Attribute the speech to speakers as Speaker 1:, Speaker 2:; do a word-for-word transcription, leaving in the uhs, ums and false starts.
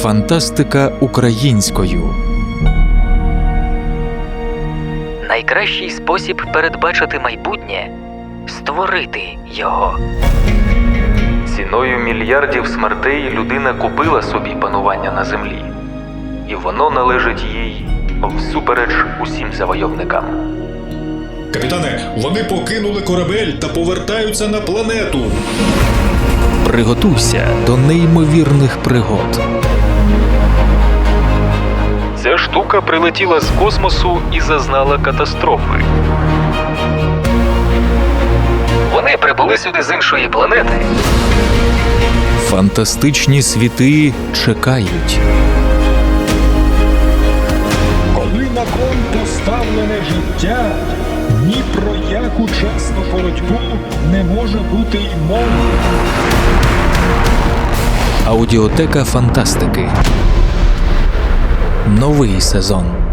Speaker 1: Фантастика українською.
Speaker 2: Найкращий спосіб передбачити майбутнє – створити його.
Speaker 3: Ціною мільярдів смертей людина купила собі панування на землі. І воно належить їй всупереч усім завойовникам.
Speaker 4: Капітане, вони покинули корабель та повертаються на планету.
Speaker 1: Приготуйся до неймовірних пригод.
Speaker 3: Ця штука прилетіла з космосу і зазнала катастрофи.
Speaker 2: Вони прибули сюди з іншої планети.
Speaker 1: Фантастичні світи чекають.
Speaker 5: Коли на кон поставлене життя, ні про яку чесну боротьбу не може бути й мови.
Speaker 1: Аудіотека фантастики. Новий сезон.